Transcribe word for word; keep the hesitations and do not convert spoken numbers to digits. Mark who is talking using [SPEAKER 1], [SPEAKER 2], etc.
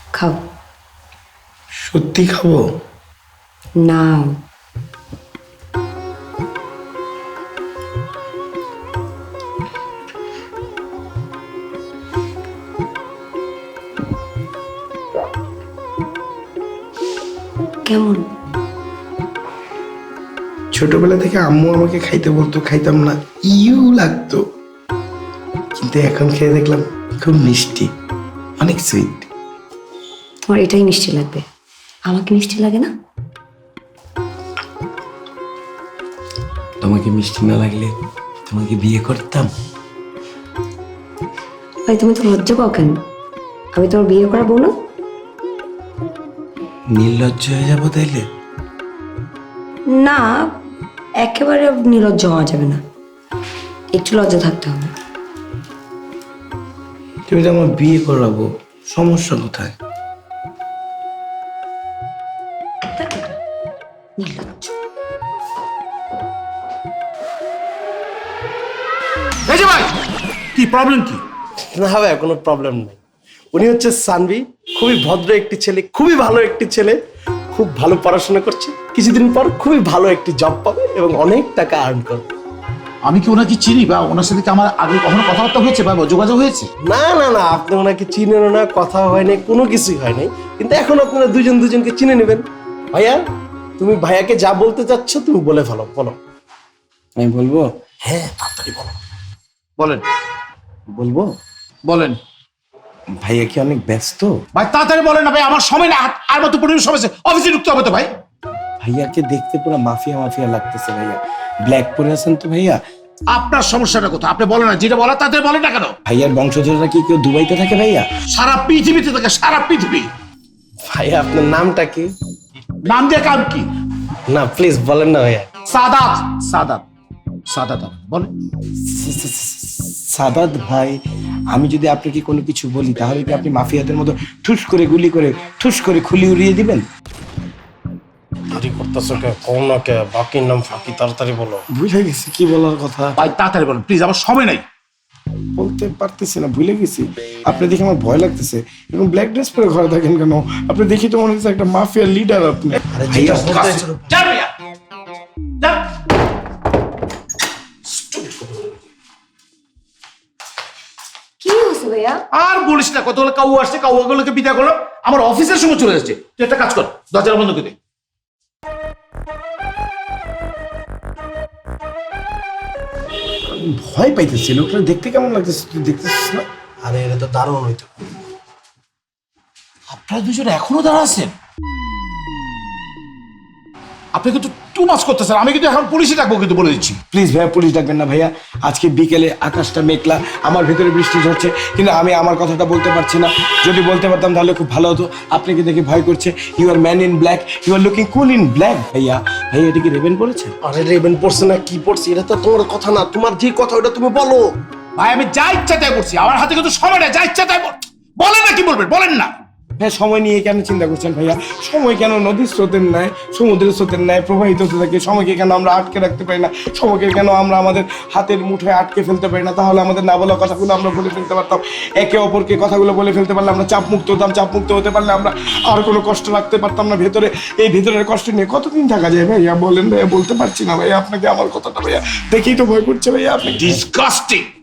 [SPEAKER 1] খাও।
[SPEAKER 2] সত্যি খাবো?
[SPEAKER 1] না কেমন?
[SPEAKER 2] ছোটবেলা থেকে আম্মু আমাকে খাইতে বলতো, খাইতাম না, ইউ লাগতো, কিন্তু এখন খেয়ে দেখলাম খুব মিষ্টি, অনেক সুইট।
[SPEAKER 1] তোমার এটাই মিষ্টি লাগবে, আমাকে মিষ্টি লাগে না?
[SPEAKER 2] তোমাকে মিষ্টি না লাগলে তোমাকে বিয়ে করতাম।
[SPEAKER 1] ভাই তুমি তো লজ্জা পাও কেন? আমি তোমার বিয়ে করাবো না?
[SPEAKER 2] নির্লজ্জ হয়ে যাবো তাইলে?
[SPEAKER 1] না, একেবারে নির্লজ্জ হওয়া যাবে না, একটু লজ্জা থাকতে হবে।
[SPEAKER 2] তুমি তো আমার বিয়ে করাবো, সমস্যা কোথায়?
[SPEAKER 1] নির্লজ্জ।
[SPEAKER 3] এই যে ভাই, কি প্রবলেম কি?
[SPEAKER 4] না ভাই, কোনো প্রবলেম নেই। উনি হচ্ছে সানভি, খুবই ভদ্র একটি ছেলে, খুবই ভালো একটি ছেলে, খুব ভালো পড়াশোনা করছে, কিছুদিন পর খুবই ভালো একটি জব পাবে এবং অনেক টাকা আর্ন করবে।
[SPEAKER 3] আমি কি ওনাকে চিনি বা ওনার সাথে কি আমার আগে কখনো কথাবার্তা হয়েছে বা যোগাযোগ হয়েছে?
[SPEAKER 4] না না না, আপনি ওনাকে চিনেন না, কথা হয়নি, কোনো কিছুই হয়নি, কিন্তু এখন আপনারা দুজন দুজনকে চিনে নেবেন। ভাইয়া, তুমি ভাইয়াকে যা বলতে চাচ্ছ তুমি বলে ফেলো, বলো।
[SPEAKER 2] আমি বলবো?
[SPEAKER 4] হ্যাঁ, তাড়াতাড়ি বলো।
[SPEAKER 3] বলেন
[SPEAKER 2] বলবো?
[SPEAKER 3] বলেন
[SPEAKER 2] ভাইয়া কি অনেক ব্যস্ত?
[SPEAKER 3] ভাই, তাড়াতাড়ি বলেন না ভাই, আমার সময় না, আর মাত্র পনেরো সময় আছে, অফিসে ঢুকতে হবে তো ভাই।
[SPEAKER 2] ভাইয়াকে দেখতে পুরো মাফিয়া মাফিয়া লাগতেছে ভাইয়া। ব্ল্যাক পরে আছেন তো ভাইয়া।
[SPEAKER 3] আপনার সমস্যাটা কোথায় আপনি বলেন না, যেটা বলা তাড়াতাড়ি বলেন না কেন?
[SPEAKER 2] ভাইয়ার বংশধররা কি কেউ দুবাইতে থাকে ভাইয়া?
[SPEAKER 3] সারা পৃথিবীতে থাকে, সারা পৃথিবী।
[SPEAKER 4] ভাইয়া, আপনার নামটা কি?
[SPEAKER 3] নাম দিয়ে কাম কি?
[SPEAKER 4] না প্লিজ বলেন না ভাইয়া।
[SPEAKER 3] সাদাত সাদাত সাদাত বলেন।
[SPEAKER 2] সাদাত ভাই, আমি যদি আপনাকে কোনো কিছু বলি তাহলে কি আপনি মাফিয়াদের মতো ঠুস করে গুলি করে ঠুস করে খুলি উড়িয়ে দিবেন?
[SPEAKER 4] দেরি করতেছো কে? কোন না কে? বাকির নাম ফাঁকি, তাড়াতাড়ি বলো।
[SPEAKER 2] ভুলে গেছি কি বলার কথা,
[SPEAKER 3] ভাই তাড়াতাড়ি বলেন প্লিজ, আমার সময় নাই।
[SPEAKER 2] বলতে পারতেছি না, ভুলে গেছি। আপনি দেখে আমার ভয় লাগতেছে, এবং ব্ল্যাক ড্রেস পরে ঘরে থাকেন কেন? আপনি দেখি তো মনে হচ্ছে একটা মাফিয়া লিডার আপনি।
[SPEAKER 4] ভাইয়া,
[SPEAKER 3] যান ভাইয়া, যান।
[SPEAKER 1] কি হয়েছে ভাইয়া?
[SPEAKER 3] আর বলিস না, কতগুলো কাউ আসছে, কাউগুলোকে বিদায় করলো, আমার অফিসের সময় চলে যাচ্ছে। তুই একটা কাজ কর, দরজা বন্ধ করে দে।
[SPEAKER 2] ভয় পাইতেছি, লোকটা দেখতে কেমন লাগতেছে তুই দেখতেছিস না?
[SPEAKER 4] আরে এটা তো দারুণ হইতো।
[SPEAKER 3] আপনারা দুজন এখনো দাঁড়া আছেন? আপনি কিন্তু টু মাস করতেছেন, আমি কিন্তু এখন পুলিশে ডাকবো কিন্তু, বলে দিচ্ছি।
[SPEAKER 2] প্লিজ ভাইয়া, পুলিশ ডাকবেন না ভাইয়া। আজকে বিকেলে আকাশটা মেঘলা, আমার ভেতরে বৃষ্টি ঝরছে, কিন্তু আমি আমার কথাটা বলতে পারছি না। যদি বলতে পারতাম তাহলে খুব ভালো হতো। আপনাকে দেখে ভয় করছে। You are man in black, you are looking cool in black. ভাইয়া, ভাইয়া এটা কি রেবেন পড়েছে?
[SPEAKER 4] আরে রেবেন পড়ছে না কি পড়ছে, এটা তো তোমার কথা না, তোমার যে কথা ওটা তুমি বলো।
[SPEAKER 3] ভাই আমি যা ইচ্ছা তাই করছি, আমার হাতে কিন্তু সময় নেই, যা ইচ্ছা তাই বল- বলেন না, কি বলবেন বলেন না।
[SPEAKER 2] হ্যাঁ, সময় নিয়ে কেন চিন্তা করছেন ভাইয়া? সময় কেন নদীর স্রোতের ন্যায়, সমুদ্রের স্রোতের ন্যায় প্রবাহিত হতে থাকে? সময়কে কেন আমরা আটকে রাখতে পারি না? সময়কে কেন আমরা আমাদের হাতের মুঠোয় আটকে ফেলতে পারি না? তাহলে আমাদের না বলা কথাগুলো আমরা বলে ফেলতে পারতাম। একে অপরকে কথাগুলো বলে ফেলতে পারলে আমরা চাপ মুক্ত হতাম। চাপ মুক্ত হতে পারলে আমরা আর কোনো কষ্ট রাখতে পারতাম না ভেতরে। এই ভেতরের কষ্ট নিয়ে কতদিন থাকা যায় ভাইয়া? বলেন ভাইয়া, বলতে পারছি না ভাইয়া আপনাকে আমার কথাটা ভাইয়া। দেখেই তো ভয় করছে ভাইয়া। আপনি
[SPEAKER 3] ডিসগাস্টিং।